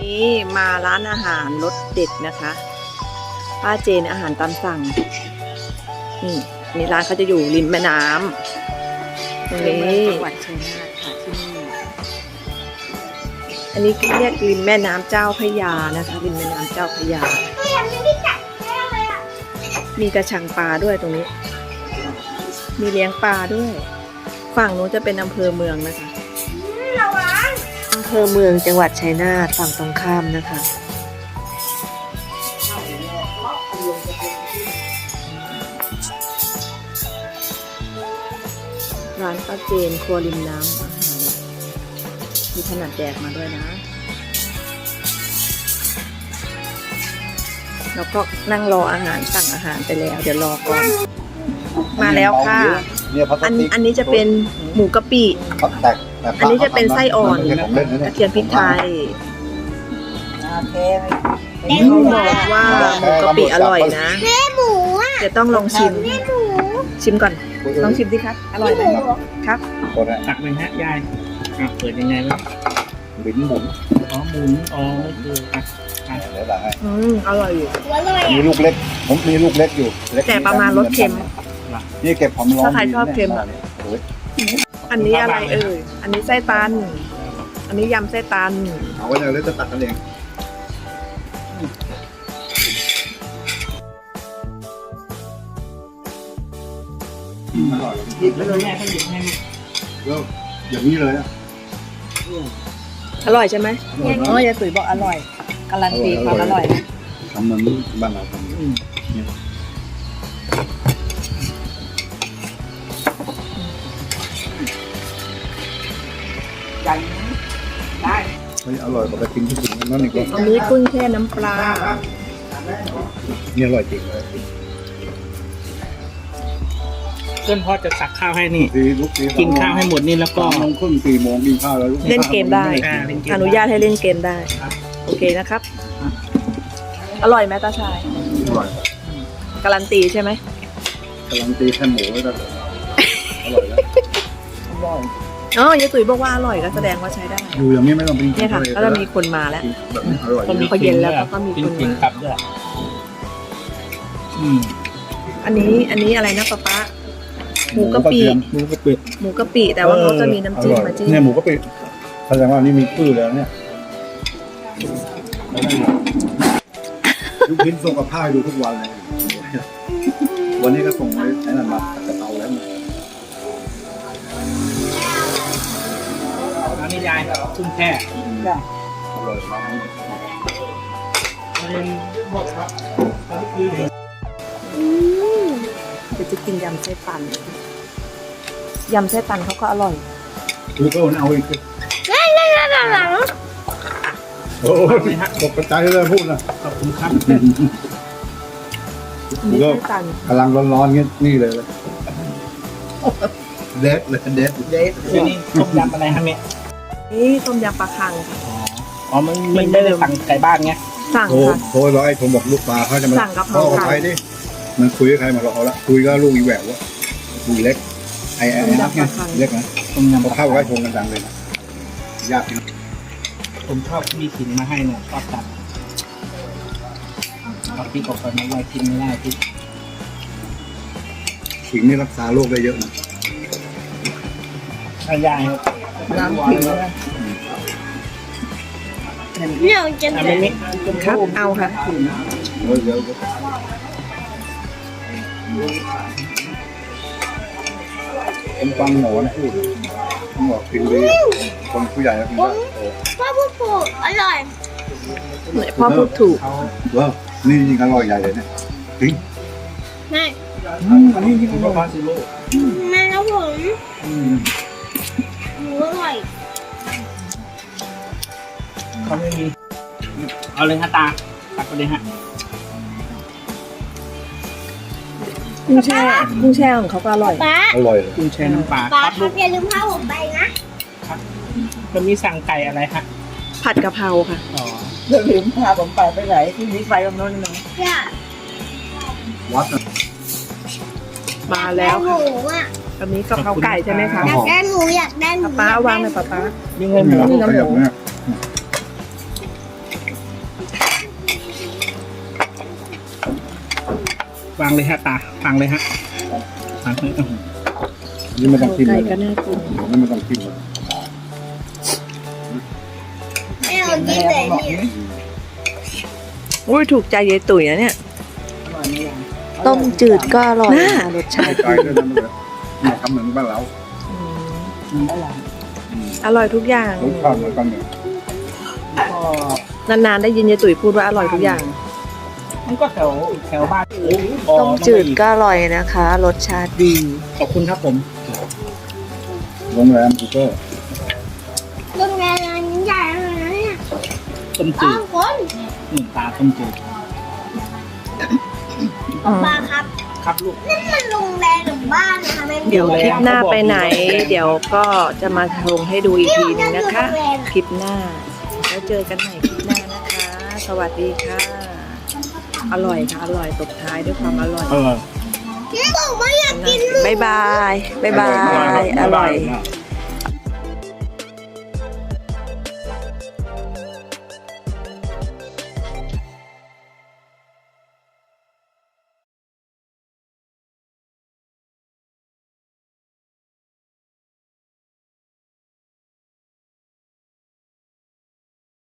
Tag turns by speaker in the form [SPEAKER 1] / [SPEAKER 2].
[SPEAKER 1] นี้มาร้านอาหารรสเด็ดนะคะป้าเจนอาหารตามสั่งนี่ร้านเขาจะอยู่ริมแม่น้ำตรงนี้จังหวัดชัยนาทค่ะที่นี่อันนี้เรียกริมแม่น้ำเจ้าพระยานะคะริมแม่น้ำเจ้าพระยามีกระชังปลาด้วยตรงนี้มีเลี้ยงปลาด้วยฝั่งนู้นจะเป็นอำเภอเมืองนะคะอำเภอเมืองจังหวัดชัยนาทฝั่งตรงข้ามนะคะร้านป้าเจนครัวริมน้ำอาหารมีขนาดแจกมาด้วยนะแล้วก็นั่งรออาหารสั่งอาหารไปแล้วเดี๋ยวรอก่อนมาแล้วค่ะอันนี้จะเป็นหมูกะปิอันนี้จะเป็นไส้อ่อนกระเทียมพริกไทยเขาบอกว่าหมูกะปิอร่อยนะเดี๋ยวต้องลองชิมก่อนลองชิมดิครับอร่อยไหมครับ
[SPEAKER 2] ตักเลยฮะยายเปิดยังไงวะหมุนอ๋อหมุนอ๋อคือ
[SPEAKER 3] แล้วหลังให้
[SPEAKER 1] อร่อยอยู่
[SPEAKER 3] มีลูกเล็กผมมีลูกเล็กอยู่
[SPEAKER 1] แต่ประมาณรสเค็ม
[SPEAKER 3] นี่เก็บความร้อน
[SPEAKER 1] ถ้าใครชอบเค็มอันนี้อะไรอันนี้ไส้ตันอันนี้ยำไส้ตัน
[SPEAKER 3] เอาไว้เลยจะตัดกันเองอร่อย
[SPEAKER 2] หยิบเลยแม่เขาหยิบให้
[SPEAKER 3] ก็อย่างนี้เลย
[SPEAKER 1] อร่อยใช่ไหมยายตุ๋ยบอกอร่อยการันตีความอร่อย
[SPEAKER 3] ทำเหมือนบ้านเราทำ
[SPEAKER 2] ยังได้
[SPEAKER 3] อร่อยกว่าไปกินที่อื่นนั่นอีก
[SPEAKER 1] อันนี้กุ้งแช่น้ำปลา
[SPEAKER 3] นี่อร่อยจริงเลย
[SPEAKER 2] เพื่อนพ่อจะตักข้าวให้นี่กินข้าวให้หมดนี่แล้วก็
[SPEAKER 3] น้องครึ่ง4 โมงกินข้าวแล้ว
[SPEAKER 1] เล่นเกมได้อนุญาตให้เล่นเกมได้โอเคนะครับอร่อยไหมตาชาย
[SPEAKER 3] อร่อย
[SPEAKER 1] การันตีใช่ไหม
[SPEAKER 3] การันตีแค่หมูไว้ก็อร่อยแล้ว
[SPEAKER 1] ยายตุ๋ยบอกว่าอร่อยก็แสดงว่าใช้ได้
[SPEAKER 3] อยู่อย่างนี้ไม่ต้องเป็น
[SPEAKER 1] เนี่ยค่ะก็จะมีคนมาแล้วพอเย็นแล้วก็มีคน
[SPEAKER 2] มาครับด้วย
[SPEAKER 1] อันนี้อะไรนะป๊าหมูกะปิแต่ว่าเขาจะมีน้ำจิ้มมาจิ้ม
[SPEAKER 3] เนี่ยหมูกะปิแสดงว่านี่มีชื่อแล้วเนี่ยลูกชิ้นส่งกับผ้าดูทุกวันเลยวันนี้ก็ส่งไปไอ้นั่นมาจะเตาแล้ว
[SPEAKER 2] อันนี้ยายชุ่มแช่
[SPEAKER 3] อร่อยมาก
[SPEAKER 1] เดี๋ยวจะกินยำไส้ตันเขาก็อร่อย
[SPEAKER 3] ดูก็เอาอีกโอ้ยตกใจเลยพูดนะ
[SPEAKER 2] ขอบคุณครับ
[SPEAKER 3] ก็กำลังร้อนๆนี่เลยเด็ด
[SPEAKER 2] นี่ต้มยำอะไรฮะเนี่ย
[SPEAKER 1] นี่ต้มยำปลาคังค่ะ
[SPEAKER 2] อ๋อมันไม่ได้สั่งไก่บ้านไง
[SPEAKER 1] สั่งค่ะ
[SPEAKER 3] โทรร้อยผมบอกลูกปลาเขาจะมา
[SPEAKER 1] สั่งกับเขา
[SPEAKER 3] ใครดิมันคุยกับใครมาเราละคุยก็ลูกอีแหววว่าลูกเล็กไอ้นักไงเล็กนะ
[SPEAKER 2] ต้มยำ
[SPEAKER 3] เข้าไว้ชงกันดังเลยนะยาก
[SPEAKER 2] ผมชอบมีขิงมาให้เนี่ยชอบจัดเอาพริกออกไปไม่ได้กินไม่ได้พริก
[SPEAKER 3] ขิงนี่รักษาโรคได้เยอะนะ
[SPEAKER 2] ยาย
[SPEAKER 1] น้ำขิง
[SPEAKER 4] เนี่ยจะ
[SPEAKER 1] เป็นครับเอาค่ะ
[SPEAKER 3] เยอะผมฟังหมอนะพูดหมอกินดีคนผู้ใหญ่แล้วกินได้
[SPEAKER 4] พ่อพูดถูกอร่อย
[SPEAKER 1] พ่อพูดถูก
[SPEAKER 3] ว้าวนี่จริงอร่อยใหญ่เลยเนี่ยจริง
[SPEAKER 4] แม่
[SPEAKER 3] อันนี้ที่คุณพ่อซื้อโล
[SPEAKER 4] แม่ครับผมหมูอร่อย
[SPEAKER 2] เขาไม่มีเอาเลยฮะตาตักไปเลยฮะ
[SPEAKER 1] กุ้งแช่ของเขาก็อร่อย
[SPEAKER 3] อร่อยเลย
[SPEAKER 2] กุ้งแช่น้ำปลา
[SPEAKER 4] ครับอย่าลืมพาผมไปนะครับ
[SPEAKER 2] จะมีสั่งไก่อะไรฮะ
[SPEAKER 1] ผัดกะเพราค่ะ
[SPEAKER 5] อย่าลืมพาผมไปไหนที่มีไฟตรงโน้นนะ
[SPEAKER 3] วัด
[SPEAKER 1] มาแล้วค่ะอันนี้กะเพราไก่ใช่ไหมคะ
[SPEAKER 4] อยากได้หมูอยากได้หมู
[SPEAKER 1] ป้าวางเลยป้า
[SPEAKER 2] มีเงินหมู
[SPEAKER 3] ขยับเนี่ย
[SPEAKER 2] วางเลยฮะตาฟังเลยฮะฟังเลย
[SPEAKER 3] นี่ไม่ต้องกิน
[SPEAKER 1] ไก่
[SPEAKER 3] เลย
[SPEAKER 1] ก็น่ากิน
[SPEAKER 3] นี่ไม่ต้องกินเลย
[SPEAKER 4] แม่เอากินเลยเนี่ย
[SPEAKER 1] อุ้ยถูกใจยายตุ๋ยนะเนี่ย
[SPEAKER 5] อร่อยไหมยัง
[SPEAKER 1] ต้มจืดก็อร่อยนะรสชาติ
[SPEAKER 3] ไก่ด้วยนะมันเลยเนี่ยทำเหมือนบ้านเรา
[SPEAKER 1] อืม
[SPEAKER 5] อร่อย
[SPEAKER 1] อร่อยทุกอย่าง
[SPEAKER 3] รสชาติเหมือนกันเนี่ย
[SPEAKER 5] ก็
[SPEAKER 1] นานๆได้ยินยายตุ๋ยพูดว่าอร่อยทุกอย่าง
[SPEAKER 2] มันก็แถวบ้าน
[SPEAKER 1] ต้มจืดก็อร่อยนะคะ รสชาติดี
[SPEAKER 2] ขอบคุณครับผม
[SPEAKER 3] โรงแรมกูเกอร์
[SPEAKER 4] โรงแรมใหญ่เลยนะเนี่ย
[SPEAKER 2] ต้ม
[SPEAKER 4] ต้
[SPEAKER 2] จื
[SPEAKER 4] อ
[SPEAKER 2] ด
[SPEAKER 4] งคน
[SPEAKER 2] ตาต้มจืด
[SPEAKER 4] ปลาครับ
[SPEAKER 2] ครับลูก
[SPEAKER 4] นี่มันโรงแรมหรือบ้านนะคะแม่
[SPEAKER 1] เดี๋ยวคลิปหน้าไปไหน เดี๋ยวก็จะมาลงให้ดูอีกทีนึงนะคะ คลิปหน้า แล้วเจอกันใหม่คลิปหน้านะคะ สวัสดีค่ะ อร่อยค่ะ อร่อยตบท้ายด้วยความอร่อย
[SPEAKER 2] เออ
[SPEAKER 4] นี่บอกว่าอยากกิน
[SPEAKER 1] บ๊ายบาย บ๊ายบาย อร่อย
[SPEAKER 3] มาก